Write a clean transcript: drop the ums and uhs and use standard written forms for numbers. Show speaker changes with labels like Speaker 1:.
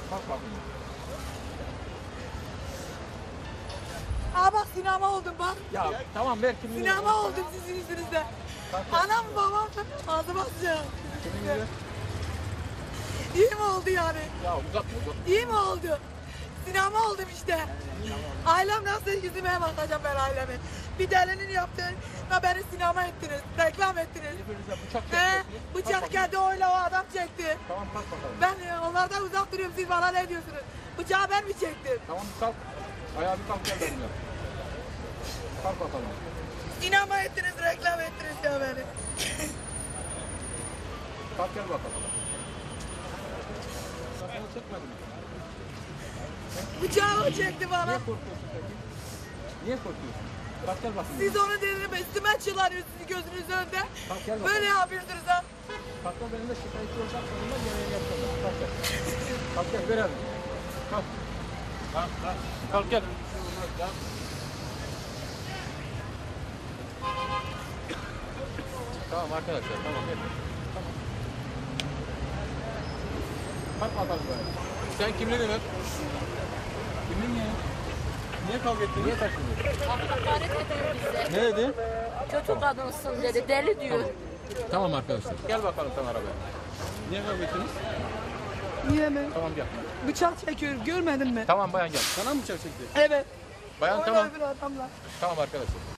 Speaker 1: Kalk bakayım.
Speaker 2: Aa bak sinema oldum bak.
Speaker 1: Ya tamam ver kimliğini.
Speaker 2: Sinema oldum sizin yüzünüzden. Anam babam ağzıma sıcağım.
Speaker 1: Kimliğini ver.
Speaker 2: İyi mi oldu yani?
Speaker 1: Ya uzatma uzatma.
Speaker 2: İyi mi oldu? Sinema oldum işte. Ailem nasıl yüzüme bakacağım ben aileme. Bir delinin yaptığına beni sinema ettiniz, reklam ettiniz.
Speaker 1: Birbirinize bıçak
Speaker 2: He,
Speaker 1: çekiyorsunuz. Kalk
Speaker 2: bıçak
Speaker 1: bakayım.
Speaker 2: geldi oyla o adam çekti.
Speaker 1: Tamam kalk bakalım.
Speaker 2: Ben onlardan uzak duruyorum, siz bana ne diyorsunuz? Bıçağı ben mi çektim?
Speaker 1: Tamam bir kalk. Ayağa bir kalk gel benimle. Kalk bakalım.
Speaker 2: Sinema ettiniz, reklam ettiniz ya beni.
Speaker 1: Kalk gel bakalım. Ben sana çekmedim.
Speaker 2: Bıçağı o çekti
Speaker 1: Niye
Speaker 2: bana.
Speaker 1: korkuyorsun peki? Niye korkuyorsun? Kalk gel bakayım.
Speaker 2: Siz onu dediniz, üstüme çılarıyorsunuz gözünüzün önünde.
Speaker 1: Kalk gel bakalım.
Speaker 2: Böyle yapıyorsunuz ha.
Speaker 1: Kalk gel benimle şikayetçi olacak sonunda gereğini yapacağım. Kalk gel. Kalk gel ver elini. Kalk. Kalk kalk. Kalk gel. Tamam arkadaşlar tamam gel. Tamam. Kalk bakalım böyle. Sen kimliğini ver. Kimliğin ne? Niye kavga ettin? Niye taşındın?
Speaker 3: Hakaret ediyor bize.
Speaker 1: Ne dedi?
Speaker 3: Kötü kadınsın dedi. Deli diyor.
Speaker 1: Tamam arkadaşlar. Gel bakalım sen arabaya. Niye kavga ettiniz?
Speaker 2: Niye mi?
Speaker 1: Tamam gel.
Speaker 2: Bıçak çekiyorum, görmedin mi?
Speaker 1: Tamam bayan gel. Sana mı bıçak çekti?
Speaker 2: Evet.
Speaker 1: Bayan
Speaker 2: Orada
Speaker 1: tamam.
Speaker 2: öbür adamlar.
Speaker 1: Tamam arkadaşlar.